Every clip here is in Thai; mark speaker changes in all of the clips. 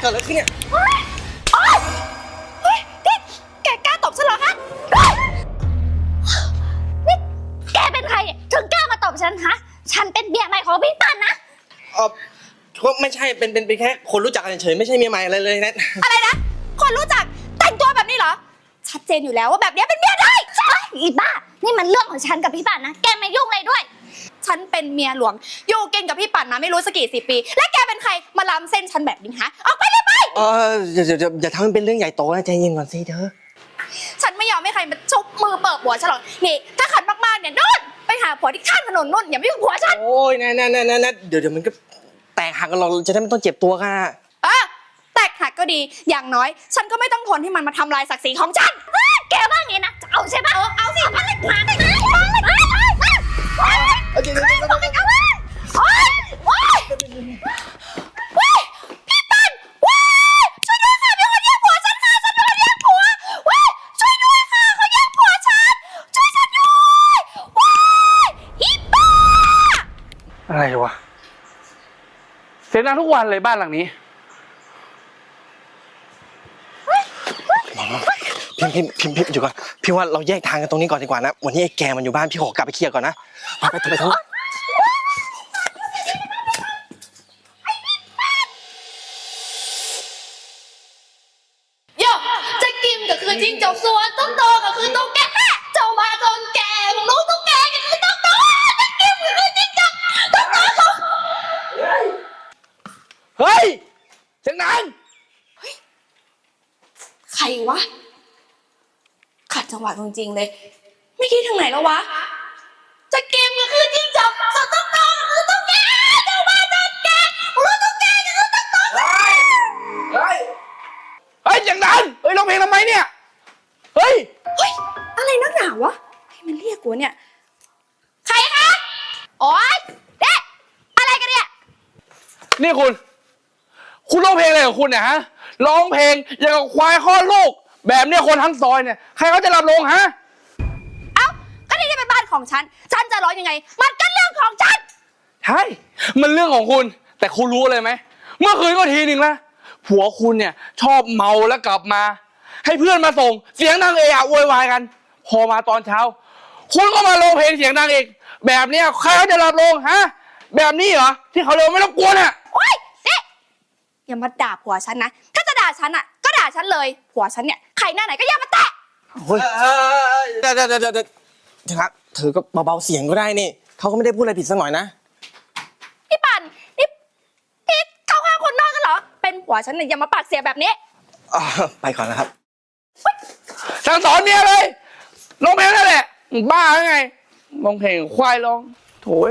Speaker 1: กิดอะไรขึ้นเนี่ย
Speaker 2: โอ๊ยนี่แกกล้าตบฉันเหรอฮะนี่แกเป็นใครถึงกล้ามาตบฉันฮะฉันเป็นเมียใหม่ของพี่ปันนะ
Speaker 1: ก็ไม่ใช่เป็นแค่คนรู้จักกันเฉยไม่ใช่เมียใหม่อะไรเลยนะ
Speaker 2: อะไรนะคนรู้จักแต่งตัวแบบนี้เหรอชัดเจนอยู่แล้วว่าแบบนี้เป็นเมียได้ใช่อีบ้านี่มันเรื่องของฉันกับพี่ปันนะแกไม่ยุ่งเลยด้วยฉันเป็นเมียหลวงอยู่กินกับพี่ปันมาไม่รู้สักกี่10 ปีและแกเป็นใครมาล้ำเส้นฉันแบบนี้ฮะออกไปเลยไป
Speaker 1: อย่าทำมันเป็นเรื่องใหญ่โตนะใจเย็นก่อนสิเธอ
Speaker 2: ฉันไม่ยอมให้ใครมาชุบมือเปิดหัวฉันหรอกนี่ถ้าขัดมากๆเนี่ยนู่นไปหาผัวที่ข้างถนนนู่นอย่ามายุ่งหัวฉัน
Speaker 1: โอ้ยนะเดี๋ยวมันก็แตกหักกันเราจะได้ไม่ต้องเจ็บตัวกัน
Speaker 2: แตกหักก็ดีอย่างน้อยฉันก็ไม่ต้องทนให้มันมาทำลายศักดิ์ศรีของฉันแกว่าไงนะจะเอาใช่ปะเอาสิมันเลยมาเลยพี่ปันช่วยด้วยค่ะมีคนแย่งผัวฉันค่ะฉันโดนแย่งผัวช่วยด้วยค่ะเขาแย่งผัวฉันช่วยฉันด้วยอีบ้า
Speaker 3: อะไรวะเสียงดังทุกวันเลยบ้านหลังนี้
Speaker 1: พิมอยู่ก่อนพี่ว่าเราแยกทางกันตรงนี้ก่อนดีกว่านะวันนี้ไอ้แกมันอยู่บ้านพี่ขอกลับไปเคลียร์ก่อนนะไปเถอะ
Speaker 2: จะกินก็คือจิ้งจกสวนต้องโตก็คือต้องแก่เจ้ามาจนแก่มึงรู้ต้องแก่ก็คือต้องโตจะกินก็คือจิ้งจกต้องโต
Speaker 3: เฮ้ยเสียงดัง
Speaker 2: ใครวะขัดจังหวะจริงๆเลยไม่คิดทางไหนแล้ววะจะเกมก็คือจิ้งจกสวนต้องโตก็คือต้องแก่เจ้ามาจนแก่รู้ต้องแก่ก็คือต้องโต
Speaker 3: เฮ้ยเสียงดังเฮ้ยร้องเพลงทำไมเนี่ยเฮ้ย
Speaker 2: อะไรนักหนาวะให้มันเรียกกูเนี่ยใครคะโอ๊ยเด็กอะไรกันเนี่ย
Speaker 3: นี่คุณร้องเพลงอะไรของคุณเนี่ยฮะร้องเพลงอย่างกับควายคลอดลูกแบบเนี้ยคนทั้งซอยเนี่ยใครเขาจะรับลงฮะ
Speaker 2: ก็นี่เป็นบ้านของฉันจะร้องยังไงมันก็เรื่องของฉัน
Speaker 3: ใช่มันเรื่องของคุณแต่คุณรู้เลยไหมเมื่อคืนก็ทีหนึ่งละผัวคุณเนี่ยชอบเมาแล้วกลับมาให้เพื่อนมาส่งเสียงดังเอะอะโวยวายกันพอมาตอนเช้าคุณก็มาร้องเพลงเสียงดังอีกแบบเนี้ยใครเขาจะรับลงฮะแบบนี้เหรอที่เขาเรียกไม่ต้องกลัวน่ะ
Speaker 2: โอ๊ยนี่อย่ามาด่าผัวฉันนะถ้าจะด่าฉันอ่ะก็ด่าฉันเลยผัวฉันเนี่ยใครหน้าไหนก็อย่ามาแตะ
Speaker 1: เฮ้ยเดี๋ยวครับเธอก็เบาๆเสียงก็ได้นี่เขาก็ไม่ได้พูดอะไรผิดสักหน่อยนะ
Speaker 2: พี่ปั่นนี่พี่เข้าข้างคนนอกกันเหรอเป็นผัวฉันเนี่ยอย่ามาปากเสียแบบนี้
Speaker 1: ไปก่อนนะครับ
Speaker 3: สั่งสอนเมียเลยร้องเพลงนั่นแหละบ้าหรือไงร้องเพลงควายร้องโถย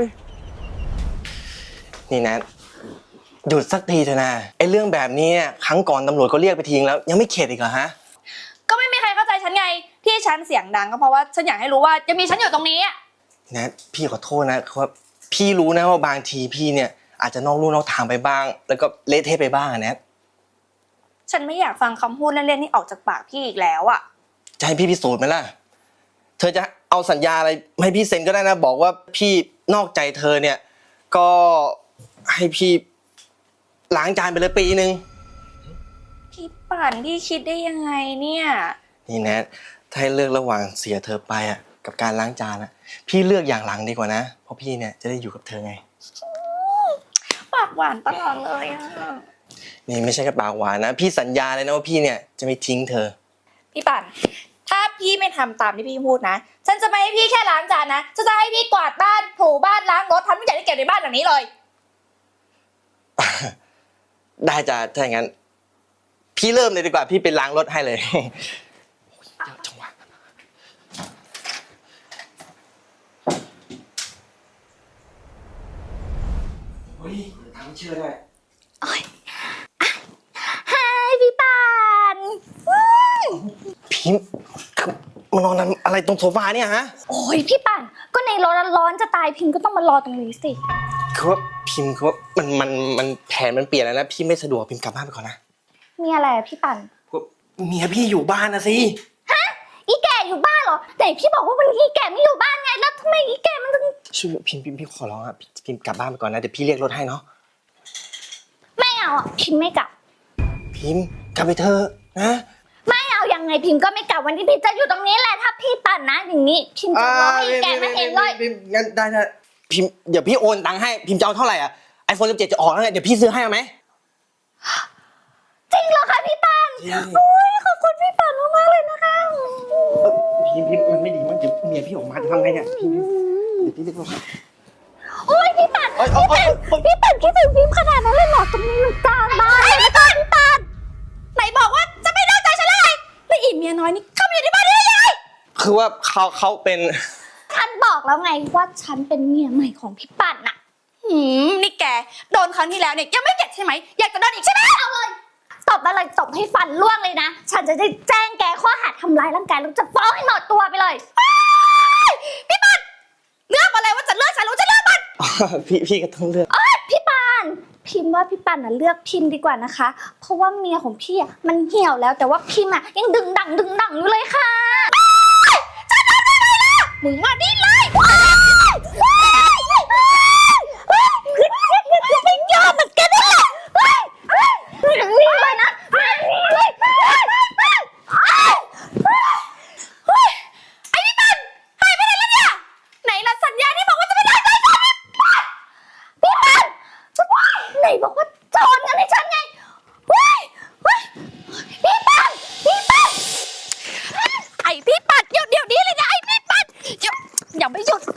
Speaker 1: นี่นะหยุดสักทีเถอะนะไอ้เรื่องแบบนี้ครั้งก่อนตำรวจก็เรียกไปทิ้งแล้วยังไม่เข็ดอีกเหรอฮะ
Speaker 2: ก็ไม่มีใครเข้าใจฉันไงที่ฉันเสียงดังก็เพราะว่าฉันอยากให้รู้ว่ายังมีฉันอยู่ตรงนี้
Speaker 1: นะพี่ขอโทษนะว่าพี่รู้นะว่าบางทีพี่เนี่ยอาจจะนอกลู่นอกทางไปบ้างแล้วก็เละเทะไปบ้างนะ
Speaker 2: ฉันไม่อยากฟังคำพูดเล่นๆนี่ออกจากปากพี่อีกแล้ว
Speaker 1: จะให้พี่พิสูจน์ไหมล่ะเธอจะเอาสัญญาอะไรให้พี่เซ็นก็ได้นะบอกว่าพี่นอกใจเธอเนี่ยก็ให้พี่ล้างจานไปเลยปีนึง
Speaker 2: พี่ปั่นพี่คิดได้ยังไงเนี่ย
Speaker 1: นี่แนทถ้าให้เลือกระหว่างเสียเธอไปกับการล้างจานพี่เลือกอย่างหลังดีกว่านะเพราะพี่เนี่ยจะได้อยู่กับเธอไง
Speaker 2: ปากหวานตลอดเลย
Speaker 1: นี่ไม่ใช่แค่ปากหวานนะพี่สัญญาเลยนะว่าพี่เนี่ยจะไม่ทิ้งเธอ
Speaker 2: พี่ปั่นถ้าพี่ไม่ทำตามที่พี่พูดนะฉันจะไม่ให้พี่แค่ล้างจานนะฉันจะให้พี่กวาดบ้านถูบ้านล้างรถทำทุกอย่างที่เก็บในบ้านหลังนี้เลย
Speaker 1: ได้จ้ะถ้าอย่างนั้นพี่เริ่มเลยดีกว่าพี่ไปล้างรถให้เลยจังหวะเฮ้ยทำเชื่อได้
Speaker 2: โอ้ยฮายพี่ปั่น
Speaker 1: พิมมานอนอะไรตรงโซฟาเนี่ยฮะ
Speaker 2: โอ้ยพี่ปั่นก็ในร้อนจะตายพิมก็ต้องมารอตรงนี้สิ
Speaker 1: คือว่าพิมคือว่ามันแผนมันเปลี่ยนแล้วนะพี่ไม่สะดวกพิมกลับบ้านไปก่อนนะ
Speaker 2: มีอะไรพี่ปั่น
Speaker 1: เมียพี่อยู่บ้านนะสิ
Speaker 2: ฮะอีแก่อยู่บ้านเหรอแต่พี่บอกว่าวันนี้อีแก่ไม่อยู่บ้านไงแล้วทำไมอีแก่มันถึง
Speaker 1: ช่วยพิมขอร้องพิมกลับบ้านไปก่อนนะเดี๋ยวพี่เรียกรถให้เนาะ
Speaker 2: ไม่เอาพิมไม่กลับ
Speaker 1: พิมพ์กลับไปเถอะนะ
Speaker 2: ไม่เอายังไงพิมพ์ก็ไม่กลับวันที่พิมพ์จะอยู่ตรงนี้แหละถ้าพี่ปั่นนะอย่างนี้พิมพ์จะรอให้แกไม่เห็นเลย
Speaker 1: พิมพ์งั้นได้พิมพ์เดี๋ยวพี่โอนตังค์ให้พิมพ์จะเอาเท่าไหร่อ่ะ iPhone 17จะออกแล้วไงเดี๋ยวพี่ซื้อให้เอาไหม
Speaker 2: จริงเหรอคะพี่ปั่น
Speaker 1: ใช่
Speaker 2: โอ้ยขอบคุณพี่ปั่นมากๆเลยนะคะ
Speaker 1: พิมพ์มันไม่ดีมั้งเดี๋ยวเมียพี่ออกมาจะทำไงเนี่ยพิมพ์เดี๋ยวพี่เรียกมา
Speaker 2: โอ้ยพี่ปั่น
Speaker 1: โอ๊ย
Speaker 2: พี่ปั่นคิดถึงพิมพ์ขนาดนั้นเลยเหรอตรงนี้มันกลางบ้านเลยนะพี่ปั่นไหนบอกว่าจะไม่นอกใจฉันเลยแล้วอีเมียน้อยนี่เข้ามาอยู่ในบ้านได้ยังไง
Speaker 1: คือว่าเขาเป็น
Speaker 2: ฉันบอกแล้วไงว่าฉันเป็นเมียใหม่ของพี่ปั่นน่ะนี่แกโดนครั้งที่แล้วเนี่ยยังไม่เข็ดใช่ไหมอยากจะโดนอีกใช่ไหมเอาเลยตบมาเลยตบให้ฟันร่วงเลยนะฉันจะได้แจ้งแกข้อหาทำร้ายร่างกายแล้วจะฟ้องให้หมดตัวไปเลยพี่ปั่นเลือกมาเลยว่าจะเลือกฉันหรือจะเลือกมัน
Speaker 1: พี่ก็ต้องเลือก
Speaker 2: พี่ปานพิมพ์ว่าพี่ปานน่ะเลือกพิมพ์ดีกว่านะคะ เพราะว่าเมียของพี่อ่ะมันเหี่ยวแล้วแต่ว่าพิมพ์อ่ะยังดึงดังอยู่เลยค่ะจะทำอะไรล่ะมึงมาดิเลยไม่ยอมเหมือนกันนี่แหละนี่เลยนะไอ้พี่ปานหายไปไหนแล้วเนี่ยไหนล่ะสัญญาที่บอกว่าจะไม่ได้ใจฉันพี่ปานไหนบอกว่าจะโอนเงินให้ฉันไงพี่ปานไอพี่ปานเดี๋ยวนี้เลยนะไอพี่ปานอย่าไม่หยุด